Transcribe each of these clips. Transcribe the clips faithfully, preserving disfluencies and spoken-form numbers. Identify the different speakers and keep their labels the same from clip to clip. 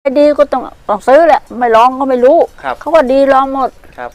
Speaker 1: ดีก็ต้องต้องซื้อแหละไม่ลองก็ไม่รู้เขาว่าดีลองหมด
Speaker 2: ครับ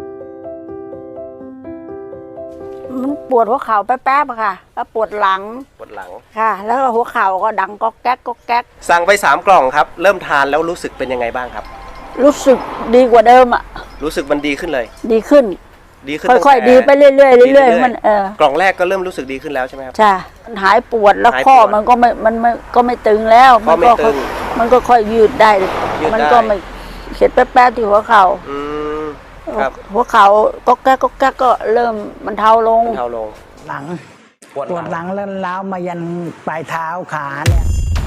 Speaker 1: มันปวดหัวเข่าแป๊บๆค่ะแล้วปวดหลัง
Speaker 2: ปวดหลัง
Speaker 1: ค่ะแล้วหัวเข่าก็ดังก๊อกแก๊กก๊อกแก๊ก
Speaker 2: สั่งไปสามกล่องครับเริ่มทานแล้วรู้สึกเป็นยังไงบ้างครับ
Speaker 1: รู้สึกดีกว่าเดิมอ่ะ
Speaker 2: รู้สึกมันดีขึ้นเลย
Speaker 1: ดีขึ้น
Speaker 2: ดีขึ้น
Speaker 1: ค่อยๆดีไปเรื่อยๆเรื่อยๆมันเออก
Speaker 2: ล่องแรกก็เริ่มรู้สึกดีขึ้นแล้วใช่ไหมครับ
Speaker 1: ใช่มันหายปวดแล้วข้อมันก็ไม่มันไม่ก็ไม่ตึงแล้ว
Speaker 2: มันก็
Speaker 1: มันก็ค่อยยืดได้มันก็ไม่เข็ดแป๊บๆที่หัวเข่าหัวเข่าก็แก๊กก็แก๊กก็เริ่มมันเทาลง
Speaker 2: เทาลง
Speaker 3: หลังปวดหลังแล้วล้าวมายันปลายเท้าขาเนี่ย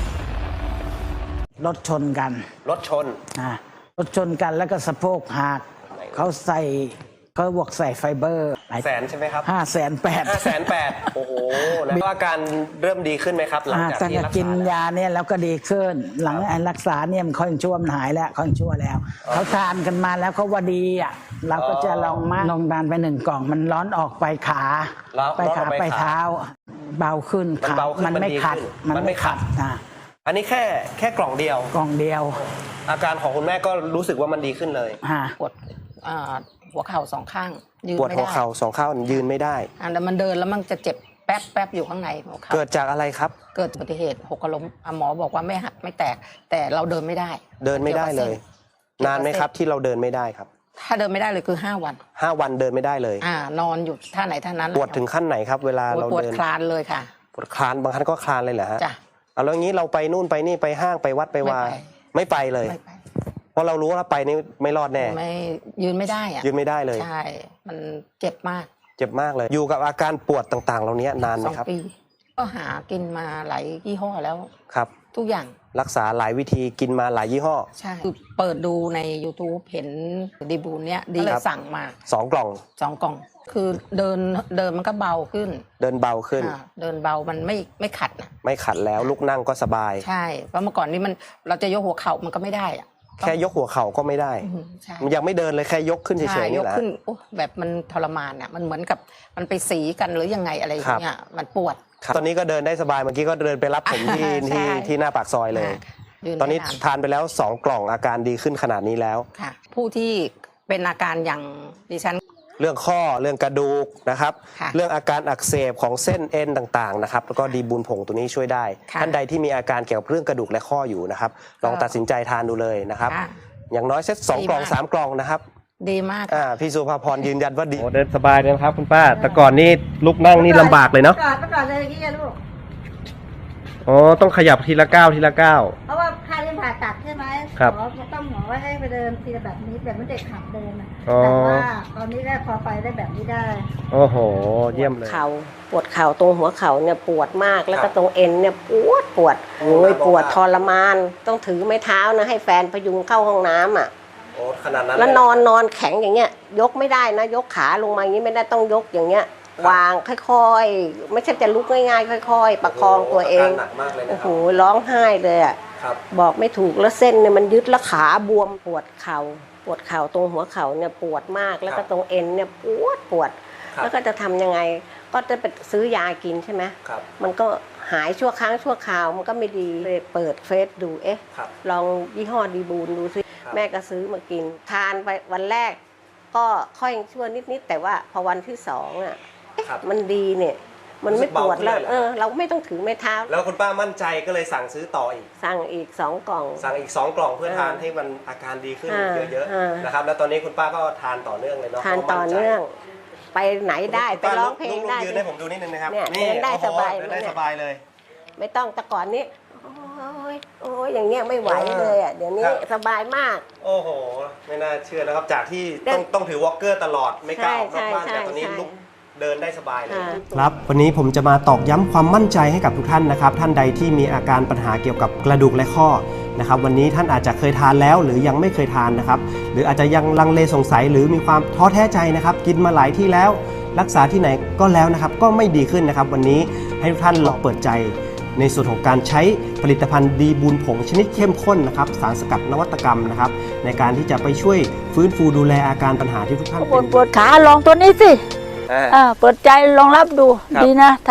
Speaker 3: รถชนกัน
Speaker 2: รถชน
Speaker 3: อ่ารถชนกันแล้วก็สะโพกหักเขาใส่เขาบวกใส่ไฟเบอร์
Speaker 2: แสนใช่ไหมครับ
Speaker 3: ห้าแสนแปด
Speaker 2: ห้าแสนแปดโอ้โหแล้วอาการเริ่มดีขึ้นไหมครับหลังจากที่รักษา
Speaker 3: กินยาเนี่ยแล้วก็ดีขึ้นหลังรักษาเนี่ยมันค่อยชั่วมันหายแล้วค่อยชั่วแล้วเขาทานกันมาแล้วเขาว่าดีอ่ะเราก็จะลองมาลองทานไปหนึ่งกล่องมันร้อนออกไปขาไปขาไปเท้าเบาขึ้นขามันไม่ขัด
Speaker 2: มันไม่ขัด
Speaker 3: อ่า
Speaker 2: อันนี้แค่แค่กล่องเดียว
Speaker 3: กล่องเดียว
Speaker 2: อาการของคุณแม่ก็รู้สึกว่ามันดีขึ้นเลย
Speaker 4: ปวดหัวเข่าสองข้าง
Speaker 2: ยืนไม่ได้ปวดหัวเข่าสองข้างยืนไม่ได้
Speaker 4: อ่าแต่มันเดินแล้วมันจะเจ็บแป๊บแป๊บอยู่ข้างในหัวเข่า
Speaker 2: เกิดจากอะไรครับ
Speaker 4: เกิดอุบัติเหตุหกล้มหมอบอกว่าไม่หักไม่แตกแต่เราเดินไม่ได้
Speaker 2: เดินไม่ได้เลยนานไหมครับที่เราเดินไม่ได้ครับ
Speaker 4: ถ้าเดินไม่ได้เลยคือห้าวัน
Speaker 2: ห้าวันเดินไม่ได้เลย
Speaker 4: อ่านอนอยู่ท่าไหนท่านั้น
Speaker 2: ปวดถึงขั้นไหนครับเวลาเราเดิน
Speaker 4: ปวดคลานเลยค่ะ
Speaker 2: ปวดคลานบางครั้งก็คลานเลยเหรอฮะ
Speaker 4: จ้ะ
Speaker 2: เอาแล้วงี้เราไปนู่นไปนี่ไปห้างไปวัดไปวาไม่ไปเลยเพราะเรารู้ว่าไปนี่ไม่รอดแน่
Speaker 4: ไม่ยืนไม่ได้อะ
Speaker 2: ยืนไม่ได้เลย
Speaker 4: ใช่มันเจ็บมาก
Speaker 2: เจ็บมากเลยอยู่กับอาการปวดต่างๆเหล่านี้นานไหมครับ
Speaker 4: สองปีก็หากินมาหลายยี่ห้อแล้ว
Speaker 2: ครับ
Speaker 4: ทุกอย่าง
Speaker 2: รักษาหลายวิธีกินมาหลายยี่ห้อ
Speaker 4: ใช่คือเปิดดูใน ยูทูบ เห็นดีบูนเนี้ยดีเลยสั่งมา
Speaker 2: สองกล่อง
Speaker 4: สองกล่องคือเดินเดินมันก็เบาขึ้น
Speaker 2: เดินเบาขึ้น
Speaker 4: เดินเบามันไม่ไม่ขัดนะ
Speaker 2: ไม่ขัดแล้วลุกนั่งก็สบาย
Speaker 4: ใช่เพราะเมื่อก่อนนี้มันเราจะยกหัวเข่ามันก็ไม่ได้อะ
Speaker 2: แค่ยกหัวเข่าก็ไม่ได้มันยังไม่เดินเลยแค่ยกขึ้นเฉยๆนี่แหละ
Speaker 4: ยกขึ้นโอ้แบบมันทรมานอ่ะมันเหมือนกับมันไปสีกันหรือยังไงอะไรอย่างเงี้ยมันปวด
Speaker 2: ตอนนี้ก็เดินได้สบายเมื่อกี้ก็เดินไปรับผมที่ที่ที่หน้าปากซอยเลยตอนนี้ทานไปแล้วสองกล่องอาการดีขึ้นขนาดนี้แล้ว
Speaker 4: ค่ะผู้ที่เป็นอาการอย่างดิฉัน
Speaker 2: เรื่องข้อเรื่องกระดูกนะครับเรื่องอาการอักเสบของเส้นเอ็นต่างๆนะครับแล้วก็ดีบูนผงตัวนี้ช่วยได้ท่านใดที่มีอาการเกี่ยวกับเรื่องกระดูกและข้ออยู่นะครับลองตัดสินใจทานดูเลยนะครับอย่างน้อยเซตสองกล่องสามกล่องนะครับ
Speaker 4: ดีมาก
Speaker 2: อ่าพี่สุภาพรยืนยันว่าดีเดินสบายเลยครับคุณป้าแต่ก่อนนี่ลุกนั่งนี่ลำบากเลยเนาะ
Speaker 1: ก่อนก่อนเลยกี่ลูก
Speaker 2: อ๋อต้องขยับทีละก้าวทีละก้าว
Speaker 1: เพราะว่าค่าเรื่องผ่าตัดใช่ไหม
Speaker 2: ครับ
Speaker 1: หมอต้องหมอว่าให้ไปเดินทีละแบบนี้แบบไม่เด็กขับเดินนะแต่ว่าตอนนี้ได้พอไปได้แบบนี้ได้
Speaker 2: โอ้โหเยี่ยมเลย
Speaker 5: เข่าปวดเข่าตรงหัวเข่าเนี่ยปวดมากแล้วก็ตรงเอ็นเนี่ยปวดปวดโอ้ยปวดทรมานต้องถือไม้เท้านะให้แฟนพยุงเข้าห้องน้ำอ่ะ
Speaker 2: โอ้ขนาดนั้น
Speaker 5: แล้วนอนนอนแข็งอย่างเงี้ยยกไม่ได้นะยกขาลงมาอย่างนี้ไม่ได้ต้องยกอย่างเงี้ยวางค่อยๆไม่ใช่จะลุกง่ายๆค่อยๆประคองตัวเองโอ้โหร้องไห้เลยอ่ะบอกไม่ถูกแล้วเส้นเนี่ยมันยึดแล้วขาบวมปวดเข่าปวดเข่าตรงหัวเข่าเนี่ยปวดมากแล้วก็ตรงเอ็นเนี่ยปวดปวดแล้วก็จะทำยังไงก็จะไปซื้อยากินใช่ไหมมันก็หายชั่วครั้งชั่วคราวมันก็ไม่ดีเลยเปิดเฟซดูเอ๊ะลองยี่ห้อดีบูนดูซิแม่ก็ซื้อมากินทานไปวันแรกก็ค่อยชั่วนิดๆแต่ว่าพอวันที่สองอ่ะมันดีเนี่ยมันไม่ปวดแล้วเออเราไม่ต้องถือไม้เท้า
Speaker 2: แล้วคุณป้ามั่นใจก็เลยสั่งซื้อต่ออีก
Speaker 5: สั่งอีกสองกล่อง
Speaker 2: สั่งอีกสองกล่องเพื่อทานให้มันอาการดีขึ้นเยอะๆนะครับแล้วตอนนี้คุณป้าก็ทานต่อเนื่องเลยเนาะ
Speaker 5: ทานต่อเนื่องไปไหนได้ไปร้องเพลงได้
Speaker 2: ยืนให้ผมดูนิดนึงนะครับ
Speaker 5: นี่เดินได้สบาย
Speaker 2: เดินได้สบายเลย
Speaker 5: ไม่ต้องแต่ก่อนนี้โอ้ยโอ้ยอย่างเงี้ยไม่ไหวเลยอ่ะเดี๋ยวนี้สบายมาก
Speaker 2: โอ้โหไม่น่าเชื่อนะครับจากที่ต้องต้องถือวอล์กเกอร์ตลอดไม่กล้าออกนอกบ้านแต่ตอนนี้ลุกเดินได้สบายเลยครับวันนี้ผมจะมาตอกย้ำความมั่นใจให้กับทุกท่านนะครับท่านใดที่มีอาการปัญหาเกี่ยวกับกระดูกและข้อนะครับวันนี้ท่านอาจจะเคยทานแล้วหรือยังไม่เคยทานนะครับหรืออาจจะยังลังเลสงสัยหรือมีความท้อแท้ใจนะครับกินมาหลายที่แล้วรักษาที่ไหนก็แล้วนะครับก็ไม่ดีขึ้นนะครับวันนี้ให้ทุกท่านลองเปิดใจในส่วนของการใช้ผลิตภัณฑ์ดีบูนผงชนิดเข้มข้นนะครับสารสกัดนวัตกรรมนะครับในการที่จะไปช่วยฟื้นฟูดูแลอาการปัญหาที่ทุกท่าน
Speaker 1: ปวดปวดขาลองตัวนี้สิเปิดใจลองรับดูดีนะถ้า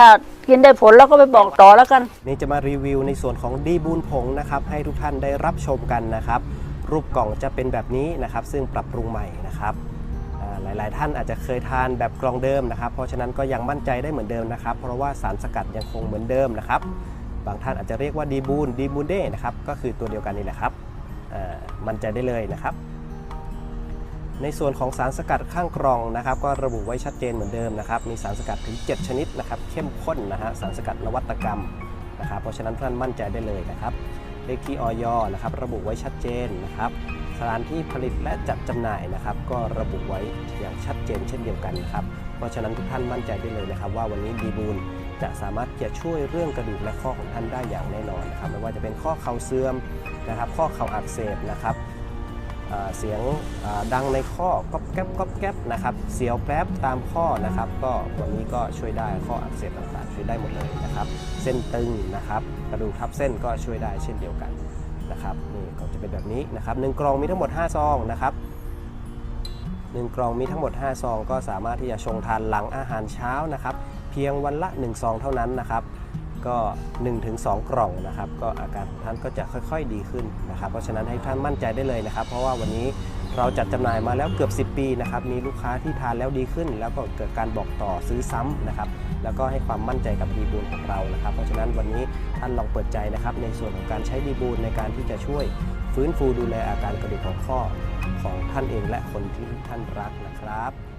Speaker 1: กินได้ผลแล้วก็ไปบอกต่อแล้วกัน
Speaker 2: นี่จะมารีวิวในส่วนของดีบูนผงนะครับให้ทุกท่านได้รับชมกันนะครับรูปกล่องจะเป็นแบบนี้นะครับซึ่งปรับปรุงใหม่นะครับหลายๆท่านอาจจะเคยทานแบบกล่องเดิมนะครับเพราะฉะนั้นก็ยังมั่นใจได้เหมือนเดิมนะครับเพราะว่าสารสกัดยังคงเหมือนเดิมนะครับบางท่านอาจจะเรียกว่าดีบูนดีบูนเด้นะครับก็คือตัวเดียวกันนี่แหละครับมั่นใจได้เลยนะครับในส่วนของสารสกัดข้างกล่องนะครับก็ระบุไว้ชัดเจนเหมือนเดิมนะครับมีสารสกัดถึงเจ็ดชนิดนะครับเข้มข้นนะฮะสารสกัดนวัตกรรมนะครับเพราะฉะนั้นท่านมั่นใจได้เลยนะครับเลขที่อย.นะครับระบุไว้ชัดเจนนะครับสถานที่ผลิตและจัดจำหน่ายนะครับก็ระบุไว้อย่างชัดเจนเช่นเดียวกันนะครับเพราะฉะนั้นทุกท่านมั่นใจได้เลยนะครับว่าวันนี้ดีบูนจะสามารถจะช่วยเรื่องกระดูกและข้อของท่านได้อย่างแน่นอนนะครับไม่ว่าจะเป็นข้อเข่าเสื่อมนะครับข้อเข่าอักเสบนะครับเสียงดังในข้อก๊อบแก๊บก๊อบแก๊บนะครับเสียวแป๊บตามข้อนะครับก็วันนี้ก็ช่วยได้ข้ออักเสบต่างๆช่วยได้หมดเลยนะครับเส้นตึงนะครับกระดูกทับเส้นก็ช่วยได้เช่นเดียวกันนะครับนี่ก็จะเป็นแบบนี้นะครับหนึ่งกล่องมีทั้งหมดห้าซองนะครับหนึ่งกล่องมีทั้งหมดห้าซองก็สามารถที่จะชงทานหลังอาหารเช้านะครับเพียงวันละหนึ่งซองเท่านั้นนะครับก็ หนึ่งถึงสอง กล่องนะครับก็อาการของท่านก็จะค่อยๆดีขึ้นนะครับเพราะฉะนั้นให้ท่านมั่นใจได้เลยนะครับเพราะว่าวันนี้เราจัดจำหน่ายมาแล้วเกือบสิบปีนะครับมีลูกค้าที่ทานแล้วดีขึ้นแล้วก็เกิดการบอกต่อซื้อซ้ำนะครับแล้วก็ให้ความมั่นใจกับดีบูนของเรานะครับเพราะฉะนั้นวันนี้ท่านลองเปิดใจนะครับในส่วนของการใช้ดีบูนในการที่จะช่วยฟื้นฟูดูแลอาการกระดูกของข้อของท่านเองและคนที่ท่านรักนะครับ